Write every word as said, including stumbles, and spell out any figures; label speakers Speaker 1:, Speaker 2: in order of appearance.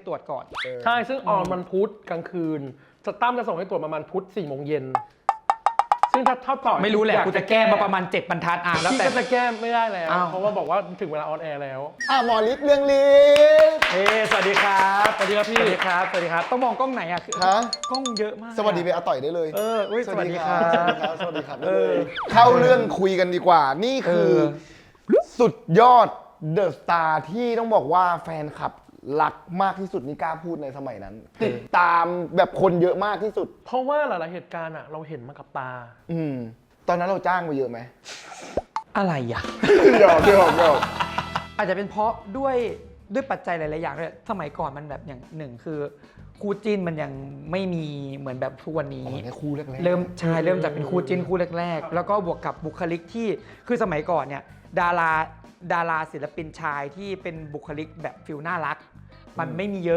Speaker 1: ตรวจก่อน
Speaker 2: ใช่ซึ่งออนมันพุธกลางคืนจะตั้มจะส่งให้ตรวจประมาณพุธสี่โมงเย็นซึ่งถ้าถ้าต่อ
Speaker 1: ไม่รู้แหละกูจะแก้มาประมาณเจ็ดบรรทัดอ่ะแล้วแต่
Speaker 2: ก็จะแก้ไม่ได้แล้วเพราะว่าบอกว่าถึงเวลาออนแอร์แล้ว
Speaker 3: อ่ะหมอฤทธิ์เรื่องฤทธิ์
Speaker 1: เฮ้สวัสดีครับ
Speaker 2: สวัสดีครับพี่
Speaker 1: สวัสดีครับสวัสดีครับต้องมองกล้องไหนอ่ะ
Speaker 3: ฮะ
Speaker 1: กล้องเยอะมาก
Speaker 3: สวัสดีไปอาต่อยได้เลย
Speaker 1: เออสวัสดีครับ
Speaker 3: สวัสดีครับสวัสดีครับเออเข้าเรื่องคุยกันดีกว่านี่คือสุดยอดเดอะสตาร์ที่ต้องบอกว่าแฟนคลับรักมากที่สุดนี่กล้าพูดในสมัยนั้นติดตามแบบคนเยอะมากที่สุด
Speaker 2: เพราะว่าหลายๆเหตุการณ์อ่ะเราเห็นมากับตา
Speaker 3: อืมตอนนั้นเราจ้างไปเยอะไหม
Speaker 1: อะไรอ่ะ
Speaker 3: หยอกหยอกหยอก
Speaker 1: อาจจะเป็นเพราะด้วยด้วยปัจจัยหลายๆอย่างด้วยสมัยก่อนมันแบบอย่างหนึ่งคือคู่จิ้นมันยังไม่มีเหมือนแบบทุกวันนี้
Speaker 3: คู่แรกๆ
Speaker 1: เริ่มใช่เริ่มจากเป็นคู่จิ้นคู่แรกๆแล้วก็บวกกับบุคลิกที่คือสมัยก่อนเนี่ยดาราดาราศิลปินชายที่เป็นบุคลิกแบบฟิลน่ารักมันไม่มีเยอะ